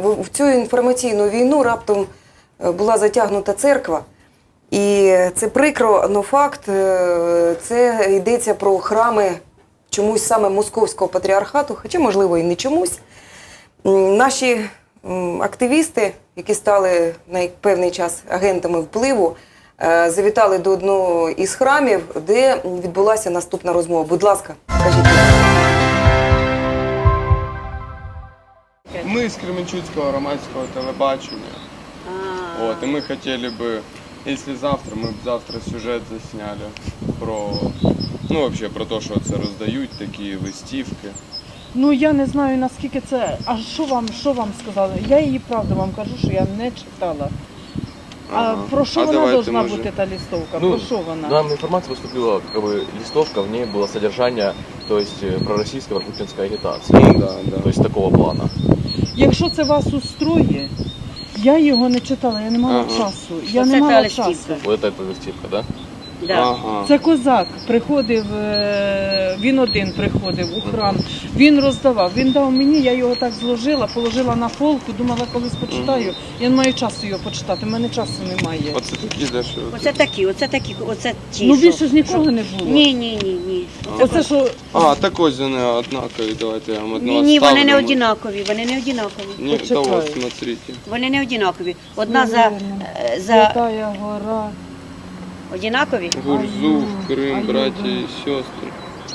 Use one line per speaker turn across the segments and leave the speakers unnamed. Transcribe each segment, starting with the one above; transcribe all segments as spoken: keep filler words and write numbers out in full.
в цю інформаційну війну раптом була затягнута церква. І це прикро, але факт, це йдеться про храми чомусь саме Московського патріархату, хоча, можливо, і не чомусь. Наші активісти, які стали на певний час агентами впливу, завітали до одного із храмів, де відбулася наступна розмова. Будь ласка, кажіть.
Ми з Кременчуцького громадського телебачення. От, і ми хотіли б, якщо завтра, ми б завтра сюжет засняли про, ну, взагалі, про те, що це роздають, такі листівки.
Ну, я не знаю, наскільки це... А що вам, що вам сказали? Я її, правда, вам кажу, що я не читала.
Ага.
А про що
А
вона должна
може...
бути, та листовка?
Ну,
про що вона?
нам информация поступила, как бы, листовка, в ней было содержание, то есть, пророссийской путинской агитации.
Ну, да, да.
То есть, такого плана.
Якщо це вас устроює, я його не читала, я не мала
Ага.
часу. Я
Оце
не
та
мала
листівка.
часу.
Вот это листівка, да?
Да.
Ага.
Це козак приходив, е, він один приходив у храм, він роздавав, він дав мені, я його так зложила, положила на полку, думала, колись почитаю. Я не маю часу його почитати, в мене часу немає.
Оце такі, де що?
Оце такі, оце такі, оце ті.
Ну
що-
більше ж нікого не було.
Ні, ні, ні, ні.
Оце що,
А, так ось вони однакові, давайте я вам одного
Ні, ні, вони не
ставлю.
однакові, вони не однакові.
Ні,
Почекай.
то ось, смотрите.
Вони не однакові. Одна за,
Наверно.
е, за
Святая гора.
однакові,
Гурзуф, Крим,
Аю,
браття
да.
і сестри.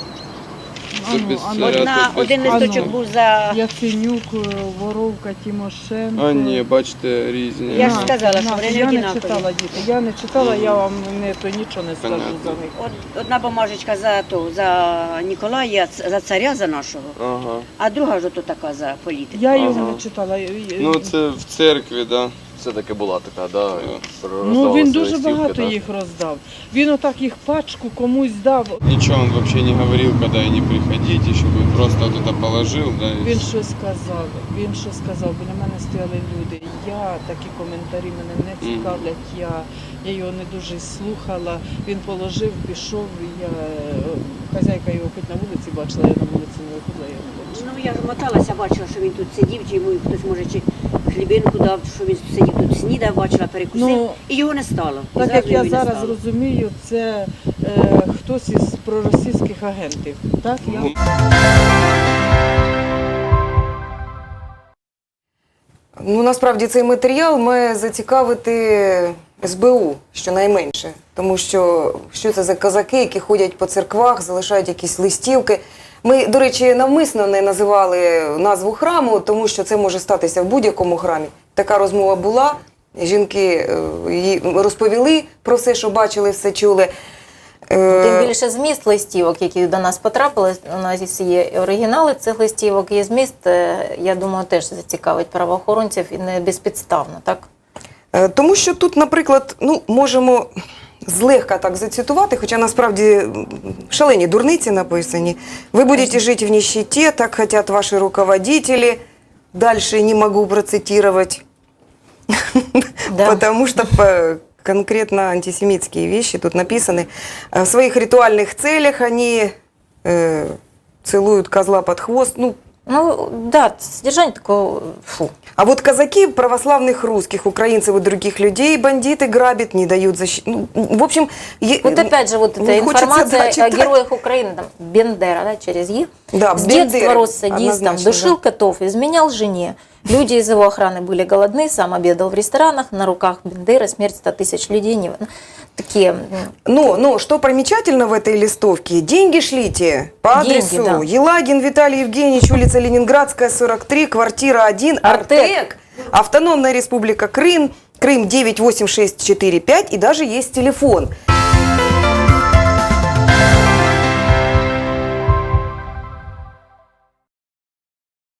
Ану,
без
ану.
царя.
одна,
тут
один
без-
листочок
Ану.
був за...
Яценюк, Воровка, Тимошенко.
А ні, бачите, різні.
Я ж
На,
сказала, що
на,
вони не
я не
однакові.
читала, діти, я не читала, я вам не, то нічого не скажу
Понятно.
за них.
Од- Одна бумажечка за, то, за Ніколая, ц- за царя за нашого,
Ага.
а друга ж ото така за політику.
Я його
Ага.
не читала.
Ну, це в церкві, да.
Все-таки була така, да?
Ну,
роздавалася
він дуже
листівки,
багато
да.
їх роздав. Він отак їх пачку комусь дав.
Ничего он вообще не говорил, когда и не приходите, чтобы просто вот это положил, да, и
Він
всё.
щось сказав, він щось сказав, біля мене стояли люди. Я, такі коментарі мене не цікавлять, я, я його не дуже й слухала. Він положив, пішов, я, хазяйка його хоч на вулиці бачила, я на вулиці не виходила, я не бачила.
Ну, я ж моталася, бачила, що він тут сидів, чи йому хтось, може, чи хлібинку дав, що він сидів тут, снідав, бачила, перекусив,
Ну,
і його не стало. І
Так
зразу
як я
його не
зараз
стало.
розумію, це е, хтось із проросійських агентів. Так? Я...
Ну,
Ну, насправді цей матеріал має зацікавити ес бе у, щонайменше. Тому що, що це за козаки, які ходять по церквах, залишають якісь листівки. Ми, до речі, навмисно не називали назву храму, тому що це може статися в будь-якому храмі. Така розмова була, жінки е, їй розповіли про все, що бачили, все чули. Е,
Тим більше зміст листівок, які до нас потрапили, у нас є і оригінали цих листівок, і зміст, е, я думаю, теж зацікавить правоохоронців і не безпідставно, так?
Е, Тому що тут, наприклад, ну, можемо злегка так зацитувати, хоча насправді м, шалені дурниці написані. «Ви будете жити в нищеті, так хотят ваши руководители». Дальше не могу процитировать,
Да.
потому что по- конкретно антисемитские вещи тут написаны. В своих ритуальных целях они э, целуют козла под хвост. Ну,
Ну, да, содержание такого, фу.
а вот казаки православных русских, украинцев и других людей бандиты грабят, не дают защиты. Ну, в общем... е-
Вот опять же, вот
не
эта
хочется,
информация
да,
о
читать.
героях Украины, там, Бендера, да, через «и».
Да,
С
Бендера,
детства рос садистом,
однозначно,
душил котов, изменял жене. Люди из его охраны были голодны, сам обедал в ресторанах, на руках Бендеры, смерть ста тысяч людей. Не... Такие...
Но, но что примечательно в этой листовке, деньги шлите по адресу
Деньги, да.
Елагин Виталий Евгеньевич, улица Ленинградская, сорок три, квартира один,
Артек.
Артек, Автономная Республика Крым, Крым девять восемь шесть четыре пять, и даже есть телефон.